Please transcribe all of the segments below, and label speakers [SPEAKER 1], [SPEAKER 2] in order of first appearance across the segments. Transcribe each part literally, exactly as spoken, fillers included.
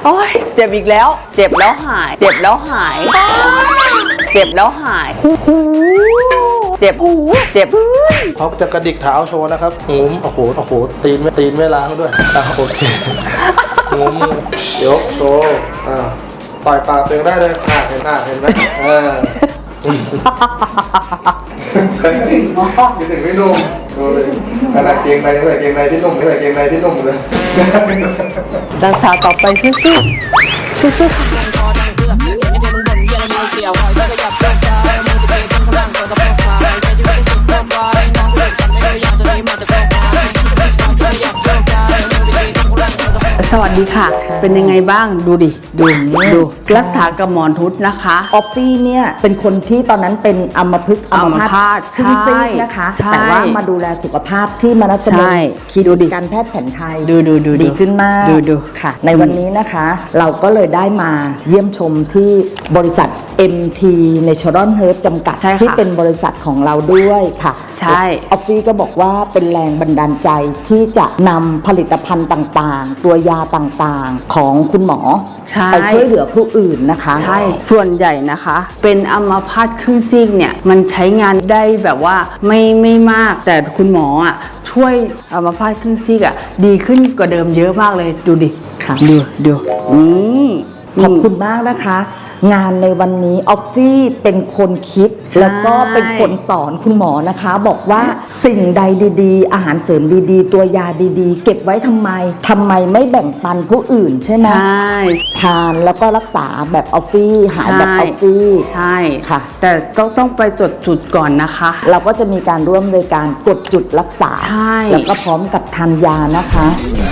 [SPEAKER 1] โอ้ยเจ็บอีกแล้วเจ็บแล้วหายเจ็บแล้วหายเจ็บแล้วหายเจ็บหูเจ็บ
[SPEAKER 2] เขาจะกระดิกเท้าโชว์นะครับงุ้มโอ้โหโอ้โหตีนไม่ตีนไม่ล้างด้วยอ่ะโอเคงุ้มยกโชว์อ่าต่อยปากตัวเองได้เลยอ่าเห็นหน้าเห็นไหมเออคิดถึงพี่นุ่มดูเลยขนาดเกงในใส่เกงในพี่นุ่มใส่เกงในพี่นุ่มเลย
[SPEAKER 1] รักษาต่อไปสู้ๆสู้ๆค่ะสวัสดีค่ะเป็นยังไงบ้างดูดิดูดูรักษากับหมอนทุศนะคะ
[SPEAKER 3] ออฟฟี่เนี่ยเป็นคนที่ตอนนั้นเป็นอัมพฤกษ์อัมพาตครึ่งซีกนะคะแต่ว่ามาดูแลสุขภาพที่มนัสมนคีดูดิการแพทย์แผนไทย
[SPEAKER 1] ดูดูดู
[SPEAKER 3] ดีขึ้นมาก
[SPEAKER 1] ดูดู
[SPEAKER 3] ค่ะในวันนี้นะคะเราก็เลยได้มาเยี่ยมชมที่บริษัท เอ็ม ที Natural Herb จำกัดที่เป็นบริษัทของเราด้วยค่ะ
[SPEAKER 1] ใช่
[SPEAKER 3] ออฟฟี่ก็บอกว่าเป็นแรงบันดาลใจที่จะนำผลิตภัณฑ์ต่างๆตัวยาต่างๆของคุณหมอไปช่วยเหลือผู้อื่นนะคะ
[SPEAKER 1] ใช่ส่วนใหญ่นะคะเป็นอัมพาตครึ่งซีกเนี่ยมันใช้งานได้แบบว่าไม่ไม่มากแต่คุณหมออ่ะช่วยอัมพาตครึ่งซีกอ่ะดีขึ้นกว่าเดิมเยอะมากเลยดูดิ
[SPEAKER 3] ค่ะ
[SPEAKER 1] ดูดูนี่
[SPEAKER 3] ขอบคุณมากนะคะงานในวันนี้ออฟฟี่เป็นคนคิดแล้วก็เป็นคนสอนคุณหมอนะคะบอกว่าสิ่งใดดีๆอาหารเสริมดีๆตัวยาดีๆเก็บไว้ทำไมทำไมไม่แบ่งปันผู้อื่นใช่ไหม
[SPEAKER 1] ใช่
[SPEAKER 3] ทานแล้วก็รักษาแบบออฟฟี่หายแบบออฟฟี่
[SPEAKER 1] ใช่
[SPEAKER 3] ค่ะ
[SPEAKER 1] แต่ต้องต้องไปจดจุดก่อนนะคะ
[SPEAKER 3] เราก็จะมีการร่วมในการกดจุดรักษา
[SPEAKER 1] ใช่
[SPEAKER 3] แล้วก็พร้อมกับทานยานะคะ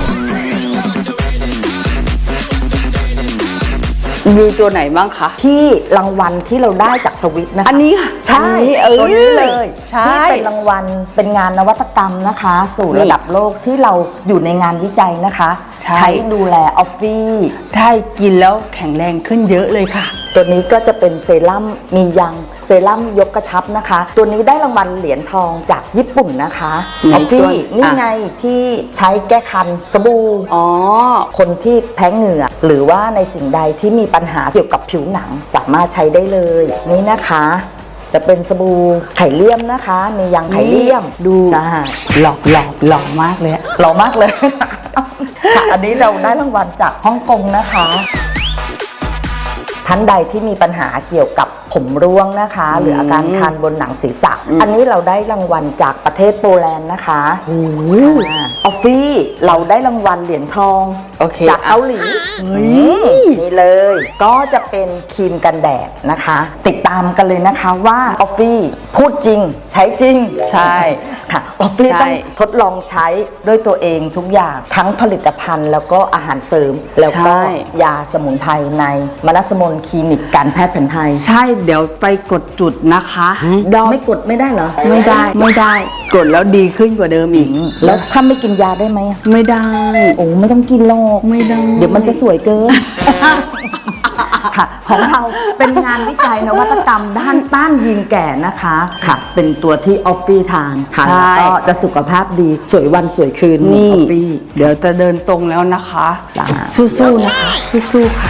[SPEAKER 1] มีตัวไหนบ้างคะ
[SPEAKER 3] ที่รางวัลที่เราได้จากสวิตนะคะ
[SPEAKER 1] อันนี้ค่ะ
[SPEAKER 3] ใช่ตัวนี้เลยที่เป็นรางวัลเป็นงานนวัตกรรมนะคะสู่ระดับโลกที่เราอยู่ในงานวิจัยนะคะใช้ดูแลออฟฟี่
[SPEAKER 1] ได้กินแล้วแข็งแรงขึ้นเยอะเลยค่ะ
[SPEAKER 3] ตัวนี้ก็จะเป็นเซรั่มมียังเซรั่มยกกระชับนะคะตัวนี้ได้รางวัลเหรียญทองจากญี่ปุ่นนะคะออฟฟี่นี่ไงที่ใช้แก้คันสบู่
[SPEAKER 1] อ๋อ
[SPEAKER 3] คนที่แพ้เหงื่อหรือว่าในสิ่งใดที่มีปัญหาเกี่ยวกับผิวหนังสามารถใช้ได้เลยนี่นะคะจะเป็นสบู่ไข่เลี่ยมนะคะมียังไข่เลี่ยม
[SPEAKER 1] ดู
[SPEAKER 3] ใช่
[SPEAKER 1] หล่อหล่อหล่อมากเลย
[SPEAKER 3] หล่อมากเลยค่ะอันนี้เราได้รางวัลจากฮ่องกงนะคะท่านใดที่มีปัญหาเกี่ยวกับผมร่วงนะคะหรืออาการคันบนหนังศีรษะอันนี้เราได้รางวัลจากประเทศโปแลนด์นะคะ
[SPEAKER 1] อ
[SPEAKER 3] อฟฟี่เราได้รางวัลเหรียญทองจากเกาหลีนี่เลยก็จะเป็นครีมกันแดดนะคะติดตามกันเลยนะคะว่าออฟฟี่พูดจริงใช้จริง
[SPEAKER 1] ใช่
[SPEAKER 3] ค่ะออฟฟี่ต้องทดลองใช้ด้วยตัวเองทุกอย่างทั้งผลิตภัณฑ์แล้วก็อาหารเสริมแล้วก็ยาสมุนไพรในมนัสมนคลินิกการแพทย์แผนไทย
[SPEAKER 1] ใช่เดี๋ยวไปกดจุดนะคะ
[SPEAKER 3] ไม่กดไม่ได้เหรอ
[SPEAKER 1] ไม่ได้ไม่ได้กดแล้วดีขึ้นกว่าเดิมอีก
[SPEAKER 3] แล้วถ้าไม่กินยาได้ไหม
[SPEAKER 1] ไม่ได้
[SPEAKER 3] โอ้ไม่ต้องกินหรอก
[SPEAKER 1] ไม่ได้
[SPEAKER 3] เดี๋ยวมันจะสวยเกินค่ะของเราเป็นงานวิจัยนวัตกรรมด้านต้านยีนแก่นะคะค่ะเป็นตัวที่ออฟฟี่ทานทานแล้วก็จะสุขภาพดีสวยวันสวยคืน
[SPEAKER 1] นี่
[SPEAKER 3] ออฟฟี่
[SPEAKER 1] เดี๋ยวจะเดินตรงแล้วนะคะสู้ๆนะคะสู้ๆค่ะ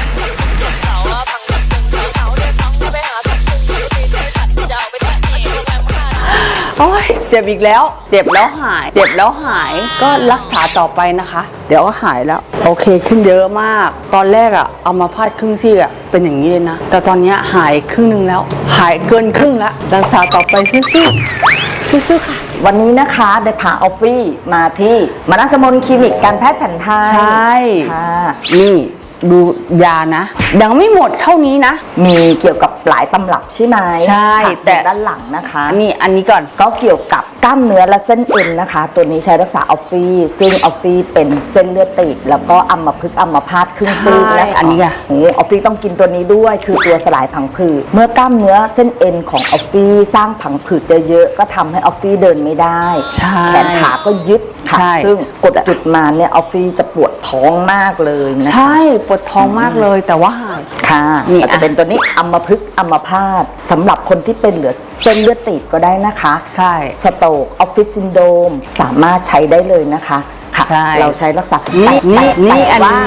[SPEAKER 1] โอ้ยเจ็บอีกแล้วเจ็บแล้วหายเจ็บแล้วหายก็รักษาต่อไปนะคะเดี๋ยวก็หายแล้วโอเคขึ้นเยอะมากตอนแรกอะเอามาพาดครึ่งซี่อะเป็นอย่างนี้เลยนะแต่ตอนนี้หายครึ่งนึงแล้วหายเกินครึ่งแล้วรักษาต่อไปสู้ๆสู้ๆค่ะ
[SPEAKER 3] วันนี้นะคะได้พาออฟฟี่มาที่มนัสมนคลินิกการแพทย์แผนไทย
[SPEAKER 1] ใช่
[SPEAKER 3] ค่ะ
[SPEAKER 1] นี่ดูยานะยังไม่หมดเท่านี้นะ
[SPEAKER 3] มีเกี่ยวกับหลายตำรับใช่ไหม
[SPEAKER 1] ใช่
[SPEAKER 3] แต่ด้านหลังนะคะ
[SPEAKER 1] นี่อันนี้ก่อน
[SPEAKER 3] ก็เกี่ยวกับกล้ามเนื้อและเส้นเอ็นนะคะตัวนี้ใช้รักษาออฟฟี่ซึ่งออฟฟี่เป็นเส้นเลือดตีบแล้วก็อัมพฤกษ์อัมพาตครึ่งซีกนะคะ
[SPEAKER 1] อันนี้อ่ะ
[SPEAKER 3] ออฟฟี่ต้องกินตัวนี้ด้วยคือตัวสลายผังผืดเมื่อกล้ามเนื้อเส้นเอ็นของออฟฟี่สร้างผังผืดเยอะๆก็ทำให้ออฟฟี่เดินไม่ได้แขนขาก็ยึดค่ะซึ่งกดจุดมาเนี่ยออฟฟี่จะปวดท้องมากเลยนะคะ
[SPEAKER 1] ใช่ปวดท้องมากเลยแต่ว่าหาย
[SPEAKER 3] ค่ะนี่จะเป็นตัวนี้อัมพฤกษ์อัมพาตสำหรับคนที่เป็นเหลือเส้นเลือดตีบก็ได้นะคะ
[SPEAKER 1] ใช่
[SPEAKER 3] สโตรกออฟฟิศซินโดรมสามารถใช้ได้เลยนะคะค่ะเราใช้รักษา
[SPEAKER 1] นี่นี่นี่อันนี้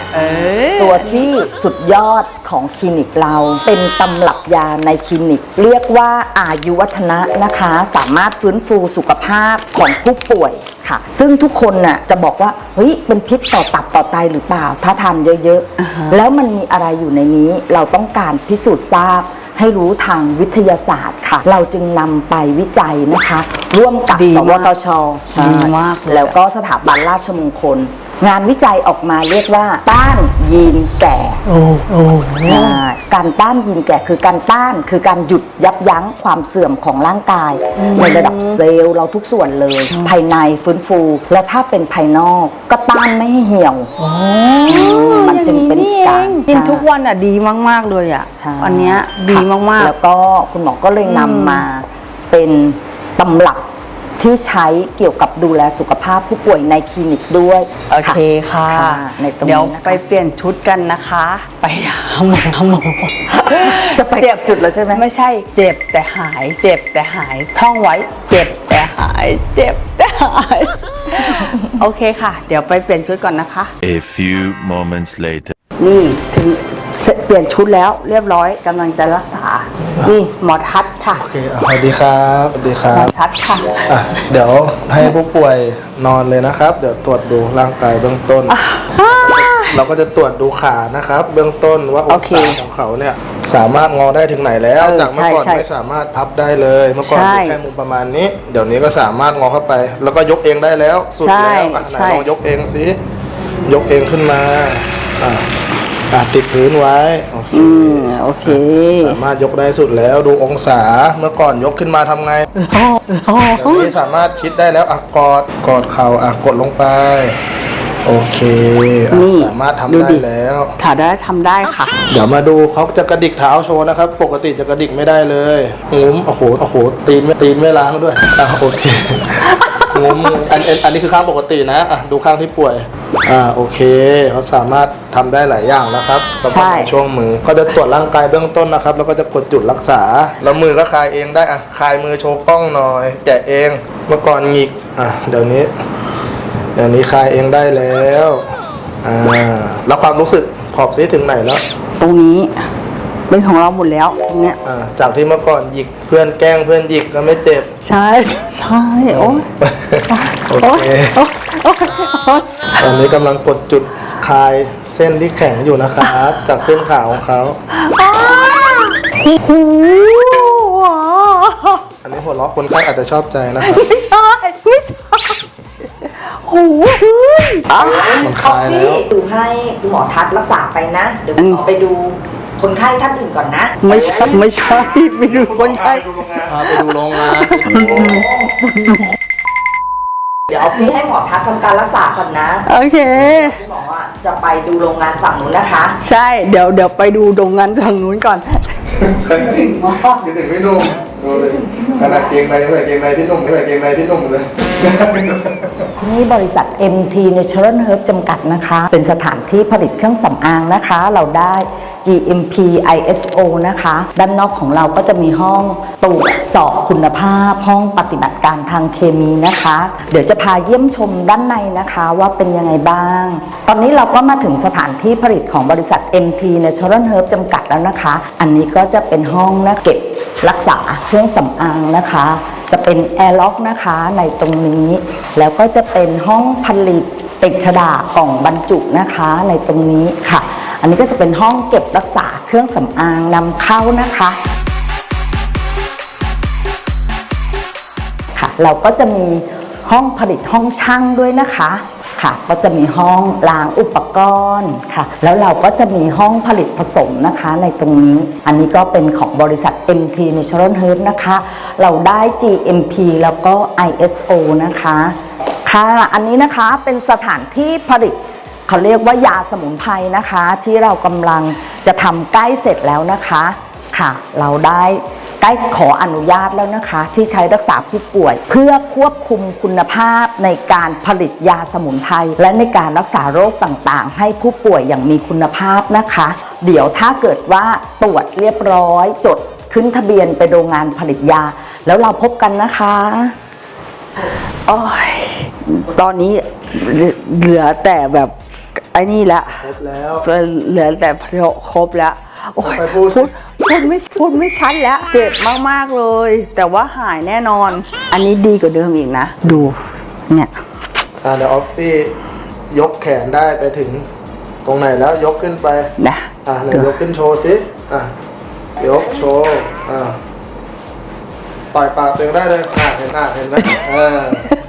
[SPEAKER 1] เออ
[SPEAKER 3] ตัวที่สุดยอดของคลินิกเราเป็นตำรับยาในคลินิก เรียกว่าอายุวัฒนะนะคะ สามารถฟื้นฟูสุขภาพของผู้ป่วยค่ะ ซึ่งทุกคนน่ะจะบอกว่าเฮ้ยเป็นพิษต่อตับต่อไตหรือเปล่าถ้าทานเยอะๆแล้วมันมีอะไรอยู่ในนี้เราต้องการพิสูจน์ทราบให้รู้ทางวิทยาศาสตร์ค่ะ เราจึงนำไปวิจัยนะคะ ร่วมกับ
[SPEAKER 1] ดี
[SPEAKER 3] ส
[SPEAKER 1] มาก
[SPEAKER 3] วทช
[SPEAKER 1] ดีมากเลย
[SPEAKER 3] แล้วก็สถาบันราชมงคล งานวิจัยออกมาเรียกว่าต้านยีนแก่
[SPEAKER 1] โอ้โอ้
[SPEAKER 3] ใช่การต้านยีนแก่คือการต้านคือการหยุดยับยั้งความเสื่อมของร่างกายในระดับเซลล์เราทุกส่วนเลย ภายในฟื้นฟู และถ้าเป็นภายนอกก็ต้านไม่ให้เหี่ยว มันจึงเป็นการ
[SPEAKER 1] กินทุกวันอ่ะดีมากๆเลยอ่ะ
[SPEAKER 3] ใช่
[SPEAKER 1] อันเนี้ยดีมากๆ
[SPEAKER 3] แล้วก็คุณหมอก็เลยนำมาเป็นตำรับที่ใช้เกี่ยวกับดูแลสุขภาพผู้ป่วยในคลินิกด้วย
[SPEAKER 1] โอเคค่ะ
[SPEAKER 3] ในตรง
[SPEAKER 1] เดี๋ยว
[SPEAKER 3] นี้นะคะ
[SPEAKER 1] ไปเปลี่ยนชุดกันนะคะ ไปหาหมอหาหมอ
[SPEAKER 3] จะไปจุดแล้วใช่ไหม
[SPEAKER 1] ไม่ใช่เจ็บแต่หาย เจ็บแต่หายท่องไว้ เจ็บแต่หาย เจ็บแต่หาย โอเคค่ะ เดี๋ยวไปเปลี่ยนชุดก่อนนะคะ
[SPEAKER 4] A few moments later.
[SPEAKER 1] นี่ถึงเปลี่ยนชุดแล้วเรียบร้อยกำลังจะรักษา นี่หมอทัศน์ค่ะ
[SPEAKER 2] โอเคอ่ะสวัสดีครับสวัสดีครั
[SPEAKER 1] หมอบ ทัศน์ค่ะ
[SPEAKER 2] อ่ะเดี๋ยวให้ผู้ป่วยนอนเลยนะครับ เดี๋ยวตรวจดูร่างกายเบื้องต้น เราก็จะตรวจดูขานะครับ เบื้องต้นว่าอ
[SPEAKER 1] โอง เค
[SPEAKER 2] ศาของเขาเนี่ยสามารถงอได้ถึงไหนแล้ว
[SPEAKER 1] เออ
[SPEAKER 2] จากเมื่อก่อน
[SPEAKER 1] ใช่ใช่
[SPEAKER 2] ไม่สามารถพับได้เลย เมื่อก่อน
[SPEAKER 1] ใช่
[SPEAKER 2] อยู่แค่มุมประมาณนี้ เดี๋ยวนี้ก็สามารถงอเข้าไป แล้วก็ยกเองได้แล้ว สุด
[SPEAKER 1] ใช่
[SPEAKER 2] แล้วอ่ะไหน
[SPEAKER 1] ใช่
[SPEAKER 2] ลองยกเองสิยกเองขึ้นมาอ่ะอ่ะติดพื้นไว้โอเค
[SPEAKER 1] อืมโอเค
[SPEAKER 2] สามารถยกได้สุดแล้วดูองศาเมื่อก่อนยกขึ้นมาทำไง เดี๋ยวนี้สามารถชิดได้แล้วอ่ะกอดกอดเข่าอ่ะกดลงไป โอเคอ่ะ
[SPEAKER 1] นี่
[SPEAKER 2] สามารถทำ
[SPEAKER 1] ดู
[SPEAKER 2] ได้
[SPEAKER 1] ดิ
[SPEAKER 2] แล้ว
[SPEAKER 1] ถ่ายได้ทำได้ค่ะ
[SPEAKER 2] เดี๋ยวมาดูเขาจะกระดิกเท้าโชว์นะครับ ปกติจะกระดิกไม่ได้เลยงุ้มโอ้โหโอ้โหตีนไม่ตีนไม่ล้างด้วยอ่ะโอเคงุ้มอันอันอันนี้คือข้างปกตินะอ่ะดูข้างที่ป่วยอ่าโอเคเขาสามารถทำได้หลายอย่างแล้วครับสำหรับ
[SPEAKER 1] ใช่
[SPEAKER 2] ในช่วงมือก็จะตรวจร่างกายเบื้องต้นนะครับ แล้วก็จะกดจุดรักษาแล้วมือก็คลายเองได้อ่ะคลายมือโชว์กล้องหน่อยแกะเองเมื่อก่อนหงิกอ่ะเดี๋ยวนี้ เดี๋ยวนี้คลายเองได้แล้วอ่าแล้วความรู้สึกขอบซิถึงไหนแล้ว
[SPEAKER 1] ตรงนี้เป็นของเราหมดแล้วตรงเนี้ย
[SPEAKER 2] อ่าจากที่เมื่อก่อนหยิกเพื่อนแกล้งเพื่อนหยิกก็ไม่เจ็บ
[SPEAKER 1] ใช่ใช่โอ้ย
[SPEAKER 2] โอ
[SPEAKER 1] โอ้ย
[SPEAKER 2] เค
[SPEAKER 1] โอ้ยโอ้ยโอ้ย
[SPEAKER 2] ตอนนี้กำลังกดจุดคลายเส้นที่แข็งอยู่นะครับ จากเส้นขาของเขา
[SPEAKER 1] โอ้โห
[SPEAKER 2] อันนี้หัวเราะคนไข้อาจจะชอบใจนะครับ
[SPEAKER 1] ไม่ใช่ไม่ใช่โอ้โหอ่ะ
[SPEAKER 2] มันคลายแล้ว
[SPEAKER 3] ดูให้คุณหมอทัศน์รักษาไปนะ เดี๋ยวคุณหมอไปดูคนไข้ท่านอื่นก่อนนะ
[SPEAKER 1] ไม่ใช่ไม่ใช่ไปดูคนไข้
[SPEAKER 2] พาไปดูโรงงาน
[SPEAKER 3] เดี๋ยวเอาพี่ให้หมอทัศน์ทำการรักษาก่อนนะ
[SPEAKER 1] โอเค
[SPEAKER 3] คุณหมออ่ะจะไปดูโรงงานฝั่งนู้นนะคะ
[SPEAKER 1] ใช่เดี๋ยวเดี๋ยวไปดูโรงงานทางนู้นก่อน
[SPEAKER 2] คิดถึงพี่หนุ่มดูเลยขนาดเกงในไม่ใส่เกงในพี่หนุ่มไม่ใส่เกงในพี่หนุ่มเลย
[SPEAKER 3] ที่นี่บริษัท เอ็ม ที Natural Herb จำกัดนะคะ เป็นสถานที่ผลิตเครื่องสำอางนะคะ เราได้ จี เอ็ม พี ไอ เอส โอ นะคะ ด้านนอกของเราก็จะมีห้องตรวจสอบคุณภาพ ห้องปฏิบัติการทางเคมีนะคะ เดี๋ยวจะพาเยี่ยมชมด้านในนะคะว่าเป็นยังไงบ้าง ตอนนี้เราก็มาถึงสถานที่ผลิตของบริษัท เอ็ม ที Natural Herb จำกัดแล้วนะคะ อันนี้ก็จะเป็นห้องนะเก็บรักษาเครื่องสำอางนะคะ จะเป็นแอร์ล็อกนะคะในตรงนี้ แล้วก็จะเป็นห้องผลิตติดฉดากล่องบรรจุนะคะในตรงนี้ค่ะ อันนี้ก็จะเป็นห้องเก็บรักษาเครื่องสำอางนำเข้านะคะค่ะ เราก็จะมีห้องผลิตห้องช่างด้วยนะคะค่ะ ก็จะมีห้องล้างอุปกรณ์ค่ะ แล้วเราก็จะมีห้องผลิตผสมนะคะในตรงนี้ อันนี้ก็เป็นของบริษัท เอ็ม ที Natural Herb นะคะ เราได้ จี เอ็ม พี แล้วก็ ไอ เอส โอ นะคะค่ะอันนี้นะคะเป็นสถานที่ผลิตเขาเรียกว่ายาสมุนไพรนะคะ ที่เรากำลังจะทำใกล้เสร็จแล้วนะคะค่ะเราได้ใกล้ขออนุญาตแล้วนะคะ ที่ใช้รักษาผู้ป่วย เพื่อควบคุมคุณภาพในการผลิตยาสมุนไพรและในการรักษาโรคต่างๆ ให้ผู้ป่วยอย่างมีคุณภาพนะคะ เดี๋ยวถ้าเกิดว่าตรวจเรียบร้อยจดขึ้นทะเบียนไปโรงงานผลิตยา แล้วเราพบกันนะคะโอ้ยตอนนี้เหลือแต่แบบไอ
[SPEAKER 1] อ้นี่ละ
[SPEAKER 2] ครบแล้ว
[SPEAKER 1] เหลือแต่พระครบแล้วโอ้ย
[SPEAKER 2] ไปพูด
[SPEAKER 1] พูดพูดไม่พูดไม่ชัดแล้วเจ็บมากๆเลย แต่ว่าหายแน่นอน อันนี้ดีกว่าเดิมอีกนะดูเนี่ย
[SPEAKER 2] อ่าเดี๋ยวออฟฟี่ยกแขนได้ไปถึงตรงไหนแล้วยกขึ้นไป
[SPEAKER 1] นะ
[SPEAKER 2] อ่าไหน
[SPEAKER 1] ดู
[SPEAKER 2] ยกขึ้นโชว์สิอ่ะยกโชว์อ่าต่อยปากตัวเองได้เลยอ่ะเห็นอ่ะเห็นไหมเออ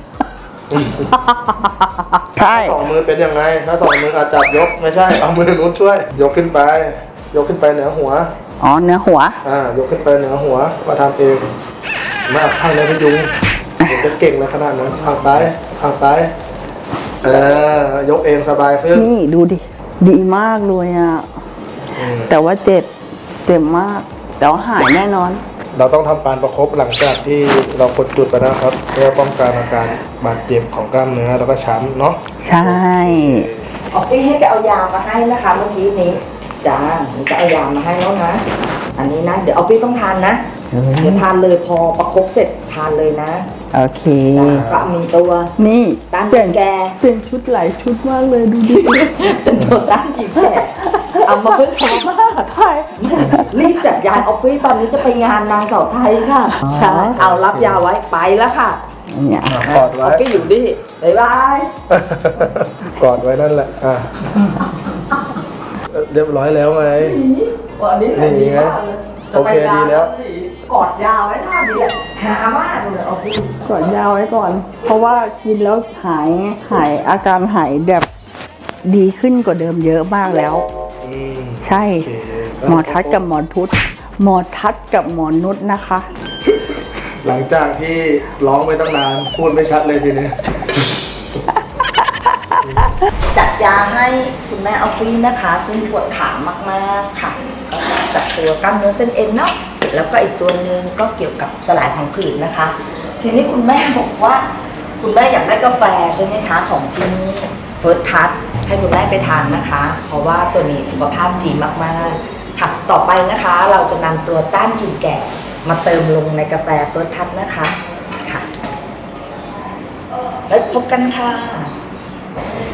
[SPEAKER 1] ใช่
[SPEAKER 2] สองมือเป็นยังไง ถ้าสองมืออาจจับยกไม่ใช่เอามือนู้นช่วย ยกขึ้นไป ยกขึ้นไปเหนือหัว
[SPEAKER 1] อ๋อเนื้อหัว
[SPEAKER 2] อ่ายกขึ้นไปเหนือหัวมาทำเองไมาข้างในพยุงผมจะเก่งเลยขนาดนั้นข้างซ้ายข้างซ้ายเออยกเองสบายขึ้น
[SPEAKER 1] นี่ดูดิดีมากเลยอ่ะ
[SPEAKER 2] อืม
[SPEAKER 1] แต่ว่าเจ็บเจ็บมาก แต่ว่าหายแน่นอน
[SPEAKER 2] เราต้องทำการประคบหลังจากที่เรากดจุดไปนะครับเพื่อป้องกันอาการบาดเจ็บของกล้ามเนื้อแล้วก็ช้ำเนาะ
[SPEAKER 1] ใช่
[SPEAKER 3] ออกพี่ให้ไปเอายามาให้นะคะเมื่อกี้นี้จ้าหนูจะเอายามาให้แล้วนะ อันนี้นะ เดี๋ยวเอาพี่ต้องทานนะเดี๋ยวทานเลยพอประคบเสร็จทานเลยนะ
[SPEAKER 1] โอเค
[SPEAKER 3] ก็มีตัว
[SPEAKER 1] นี่
[SPEAKER 3] ต้าน
[SPEAKER 1] เปลี่ยน
[SPEAKER 3] แก
[SPEAKER 1] เปลี่ยนชุดหลายชุดมากเลยดูดิ
[SPEAKER 3] เป็นตัวต้านกินแก่เอามาเพิ่งทำมาไทยรีบจัดยาออฟฟิศตอนนี้จะไปงานนางสาวไทยค่ะ ใช่ เอารับยาไว้ไปแล้วค่ะ
[SPEAKER 1] เนี่ย
[SPEAKER 2] กอดไว้
[SPEAKER 3] ออฟฟิศอยู่ดิบ๊ายบาย
[SPEAKER 2] กอดไว้นั่นแหละอ่ะเอ่อเรียบร้อยแล้วไง
[SPEAKER 3] วันนี้
[SPEAKER 2] นี่ไง
[SPEAKER 3] จะไปงาน
[SPEAKER 2] โอเคดีแล้ว
[SPEAKER 3] กอดยาไว้ท่าเดียวหามากเลยออฟฟิศ
[SPEAKER 1] ก่อนยาวไว้ก่อน เพราะว่ากินแล้วหายไงหายอาการหายแบบดีขึ้นกว่าเดิมเยอะมากแล้ว
[SPEAKER 2] อืม
[SPEAKER 1] ใช่
[SPEAKER 2] โอเค
[SPEAKER 1] หมอทัศน์กับหมอทุศหมอทัศน์กับหมอนุชนะคะ
[SPEAKER 2] หลังจากที่ร้องไปตั้งนานพูดไม่ชัดเลยทีนี้
[SPEAKER 3] จัดยาให้คุณแม่ออฟฟิศนะคะ ซึ่งปวดขามากๆค่ะก็จัดตัวกล้ามเนื้อเส้นเอ็นเนาะแล้วก็อีกตัวหนึงก็เกี่ยวกับสลายพังผืดนะคะ ทีนี้คุณแม่บอกว่า คุณแม่อยากได้กาแฟใช่ไหมคะของที่นี่เฟิร์สทัชให้คุณแม่ไปทานนะคะ เพราะว่าตัวนี้สุขภาพดีมากๆค่ะต่อไปนะคะ เราจะนำตัวต้านกลิ่นแก่มาเติมลงในกาแฟเฟิร์สทัชนะคะค่ะแล้วพบกันค่ะ